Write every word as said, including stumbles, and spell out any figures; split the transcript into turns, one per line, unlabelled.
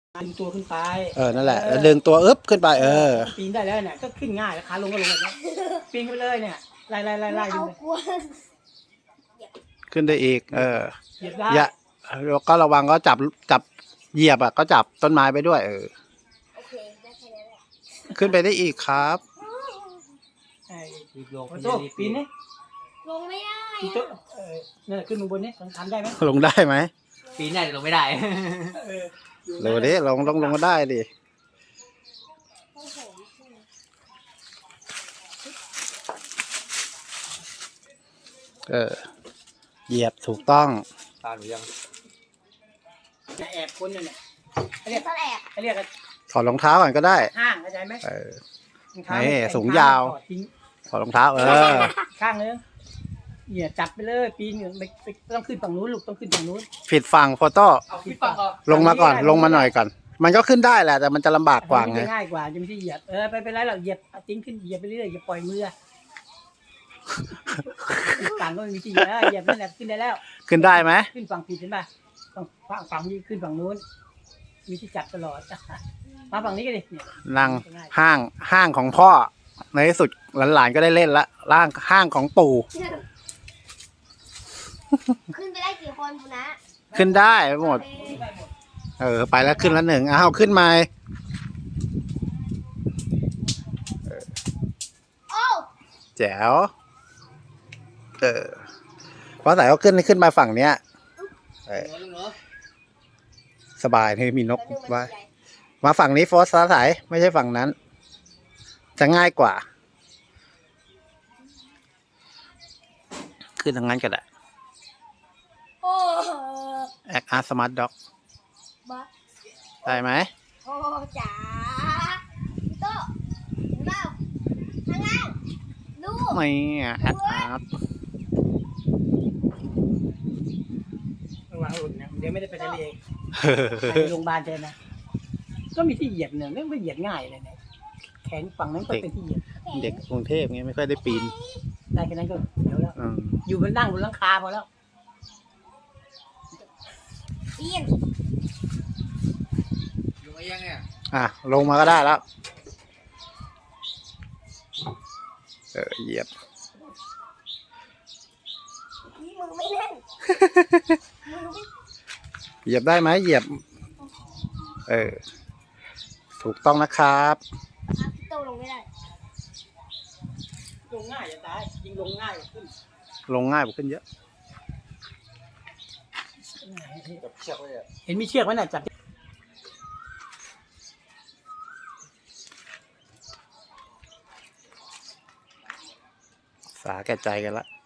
ดึงตัวขึ้นไป
เออนั่นแหละแล้วดึงตัวอึ๊บขึ้นไปเออ
ปีนได้แล้วเนี่ยก็ขึ้นง่ายแล้วขาลงก็ลงแบบนี้ปีนขึ้นไปเลยเนี่ยไล่ไล่ไล่ไล่ขึ้นไป
ขึ้นได้อีกเออ
เหยียบได้
อย่าแล้วก็ระวังก็จับจับเหยียบอ่ะก็จับต้นไม้ไปด้วยเออ
โอเคได้แค่นี้แหละ
ขึ้นไปได้อีกครับ
ไอ้โต๊ะปีนนี่
ลงไม่ได้
ปีนโต๊ะเออเนี่ยขึ้นมาบนนี้ทำได้ไหม
ลงได้ไหม
ปีนได้แต่ลงไม่ได้
เออ
ลงดิลงลงลงก็ได้ดิเออเหยียบถูกต้อง
ตาหนูยัง
แอบคนเนี่ย
เรียกต้นแอบ
เรียก
ถอดรองเท้าก่อนก็ได้
ห้างเข้าใจไหม
เออนี่สูงยาวถอดรองเท้าเออ
ข้างนึงเหยียบจับไปเลยปีนไม่ต้องขึ้นฝั่งนู้นลูกต้องขึ้นฝั่งนู้น
ผิดฝั่งโฟโต้ลงมาก่อนลงมาหน่อยก่อนมันก็ขึ้นได้แหละแต่มันจะลำบากกว่าไง
ง่ายกว่าจะไม่ใช่เหยียบเออไปไปไรหรอกเหยียบติ้งขึ้นเหยียบไปเรื่อยอย่าปล่อยมือต่างก็ไม่มีที่เหยียบนั่นแหละขึ้นได้แล้ว
ขึ้นได้ไหม
ขึ้นฝั่งผิดเห็นป่ะฝั่งฝั่งฝั่งนี้ขึ้นฝั่งนู้นมีที่จับตลอดมาฝั่งนี้ก็ดิ
นั่งห้างห้างของพ่อในที่สุดหลานๆก็ได้เล่นละล่างห้างของปู่
ขึ้นไปได้กี่คนคุณนะ
ขึ้นได้หมดเออไปแล้วขึ้นแล้วหนึ่งอ้าวขึ้นมา
โอ้
แจ๋วเออเพราะสายเขาขึ้นขึ้นมาฝั่งเนี้ยสบายที่มีนกว่ามาฝั่งนี้โฟร์สสายไม่ใช่ฝั่งนั้นจะง่ายกว่าขึ้นทางนั้นก็ได้แอคอาร์สมาร์ทด็อกได้ไหม
โอ้จ๋าโต้เล่าข้างล่างดู
ไม่แอคอาร์
ระวังหลุดนะเดี๋ยวไม่ได้ไปทะเลไปโรงพยาบาลเจอนะก็มีที่เหยียบเนี่ยไม่เหยียบง่ายเลยเนี่ยแขนฝั่งนั้นก็เป็นที่เหยียบ
เด็กกรุงเทพไงไม่ค่อยได้ปีน
ได้แค่นั้นก็เดี๋ยวแล้วอยู่บนนั่งบนหลังคาพอแล้ว
ปีน
อยู่มายังเนี่ย
อ่ะลงมาก็ได้แล้วเออเหยียบ
นี่มือไม่แน่น
เหยียบได้ไหมเหยียบเออถูกต้องนะครับ
พี่โตลงไม่ได้
ลงง่ายจะตายยิงลงง่ายขึ้น
ลงง่ายกว่าขึ้นเยอะ
เห็นมีเชือกไหมน่ะจับ
สาแก่ใจกันละ